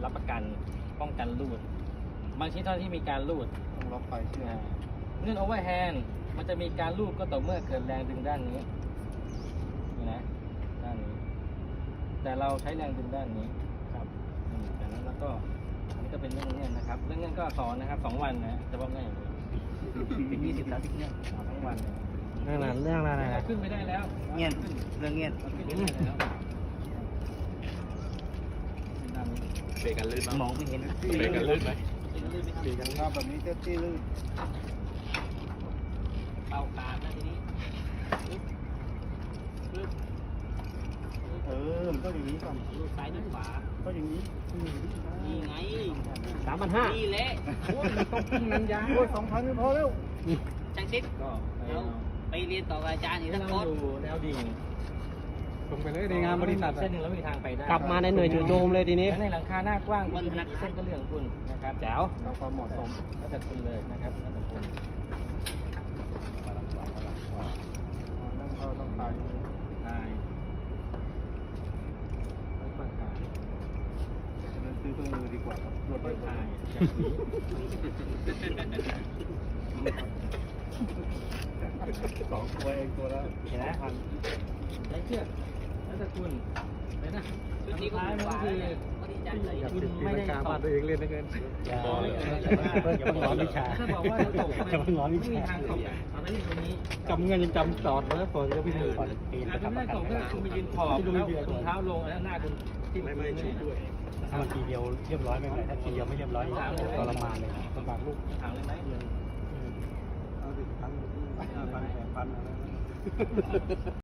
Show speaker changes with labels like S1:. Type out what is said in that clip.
S1: รับประกันป้องกันรูดบางชิ้นเท่าที่มีการรูด
S2: ต้องล็อกไฟเชื่อม
S1: เงื่อนโอเวอร์แฮนด์มันจะมีการรูดก็ต่อเมื่อเกิดแรงดึงด้านนี้นี่นะด้านนี้ แต่เราใช้แรงดึงด้านนี้ครับจากนั้นแล้วก็อันนี้ก็เป็นเรื่องเงื่อนนะครับเรื่องเงื่อนก็สอนนะครับ2 วันนะจะบอกง่ายอย่างนี้ถึง20-30 เนี่ยทั้งวันเลย
S3: เรื่องอะไรนะ
S1: ขึ้นไปได้แล้ว
S2: เงี้ยเรื่องเงี้ย
S1: ขึ้นไปได้แล้วด้านนี้
S4: เบรกกันลื่นไหม
S2: มองไม่เห็น
S4: เบรกกันลื่นไหม
S2: สีกันภาพแบบนี้เตี้ยลื่น
S1: เป่าขาดนะทีนี้
S2: มันก็อย่างนี้ก่อน
S1: รูดซ้ายรูดขวา
S2: ก็อย่างนี้
S1: นี่ไง
S3: 3,500
S1: นี่แหละ
S2: ต้องขึ้นนันยาโอ้ย2,000ไม่พอแล้ว
S1: จังซิดก็แล้วไปเรียนต่อกับอาจารย์อีกทั้งหมดดูแนวดิ่ง
S3: ลงไปเลยในงานบริษัท
S1: เส้นหนึ่งแล้วมีทางไปได้
S3: กลับมาในหน่วยจู่โจมเลยทีนี้
S1: แล้วในหลังคาหน้ากว้างคุณมีกี่เส้นก็เรื่องของคุณนะครับแจ๋ว
S2: เราความเหมาะสม
S1: แล้วแต่คุณเลยนะครับแล้วแต่คุณ
S2: นั่งเข้าต้องตาย
S1: ได้ค่อยๆถ่าย
S2: ฉะนั้นซื้อเครื่องมือดีกว่าครับรถ
S1: ค่
S2: ไม่
S1: อยๆ
S2: พา
S1: ถ่าย
S2: ย
S1: อย่างนี้
S2: 2 ตัวเองตัวละ
S1: เห็นไหม
S2: 2,000
S1: ใช้เชือกแล้วแต่คุณเลยนะสุดท้ายมันก็คือคุณไม่ได้ตก
S3: ตัวเองเล่นนะเกิน
S1: อย่า
S3: อย่าเพิ่งร้อนวิชา
S1: ถ้าบอกว่าจะตก
S3: อย่าเพิ่งร้อนวิ
S1: ไม่มี
S3: ชา
S1: ทางตกเอาไปที่ตรงนี้
S3: จำเงินยังจำสอดเลยฝนก็พี่ถือ
S1: ถ้าไม่ได้ตกก็คุณไปยืนขอบแล้วถุงเท้าลงแล้วหน้าคุณที่
S4: ไม่ชุบด้วย
S3: ถ้ามันทีเดียวเรียบร้อยไม่เป็นไรถ้าทีเดียวไม่เรียบร้อยทรมานเลยลำบากลูก
S1: ถามเลยไหม
S2: เอาดิ1,000 5,000 8,000อะไร